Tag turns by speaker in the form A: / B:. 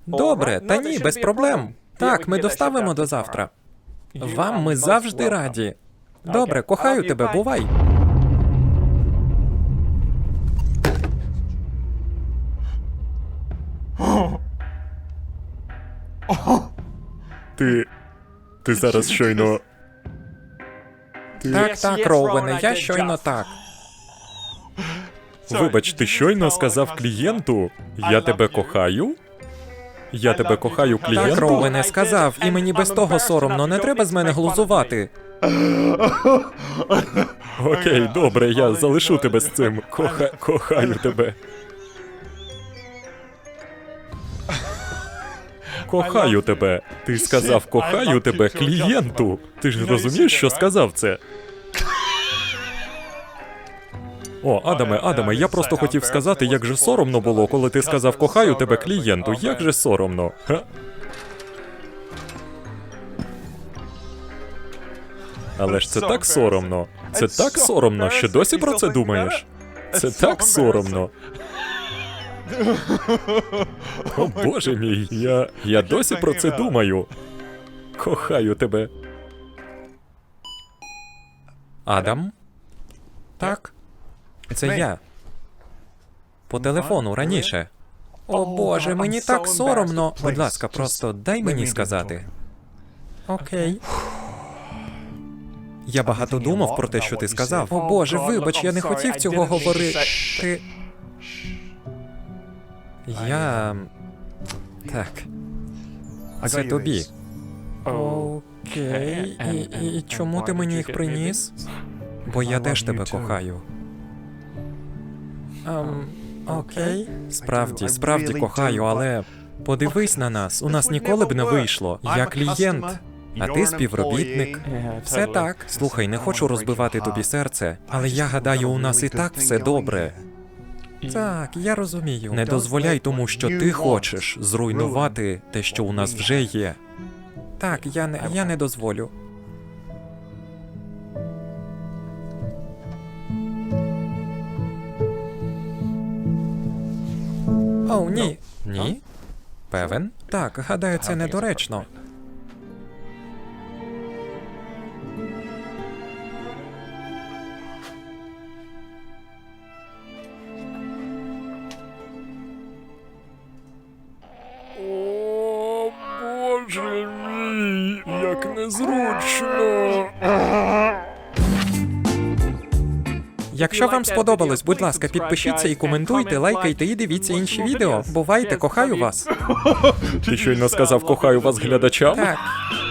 A: Добре, та ні, без проблем. Так, ми доставимо до завтра. Вам ми завжди раді. Добре, кохаю тебе, бувай.
B: Ти зараз щойно...
A: Так, Роуене, я щойно так.
B: Вибач, ти щойно сказав клієнту, я тебе кохаю? Я тебе кохаю клієнту?
A: Так, Роуене, сказав, і мені без того соромно, не треба з мене глузувати.
B: Окей, добре, я залишу тебе з цим. Кохаю тебе. Кохаю тебе. Ти сказав кохаю тебе клієнту. Ти ж розумієш, що сказав це? О, Адаме, я просто хотів сказати, як же соромно було, коли ти сказав кохаю тебе клієнту. Як же соромно. Ха? Але ж це так соромно. Це так соромно, що досі про це думаєш? Це так соромно. О, Боже мій, я досі про це думаю. Кохаю тебе.
A: Адам? Так? Це я. По телефону раніше. О Боже, мені так соромно. Будь ласка, просто дай мені сказати. Окей. Я багато думав про те, що ти сказав. О Боже, вибач, я не хотів цього говорити. Я... Так. Це тобі. Окей. І чому ти мені їх приніс? Бо я теж тебе кохаю. Окей. Справді кохаю, але подивись на нас. У нас ніколи б не вийшло. Я клієнт, а ти співробітник. Все так. Слухай, не хочу розбивати тобі серце, але я гадаю, у нас і так все добре. Так, я розумію. Не дозволяй тому, що ти хочеш зруйнувати те, що у нас вже є. Так, я не дозволю. Оу, ні. Ні? Певен? Так, гадаю, це недоречно.
B: О, Боже мій, як незручно.
A: Якщо вам сподобалось, будь ласка, підпишіться і коментуйте, лайкайте і дивіться інші відео. Бувайте, кохаю вас.
B: Ти щойно сказав кохаю вас глядачам?
A: Так.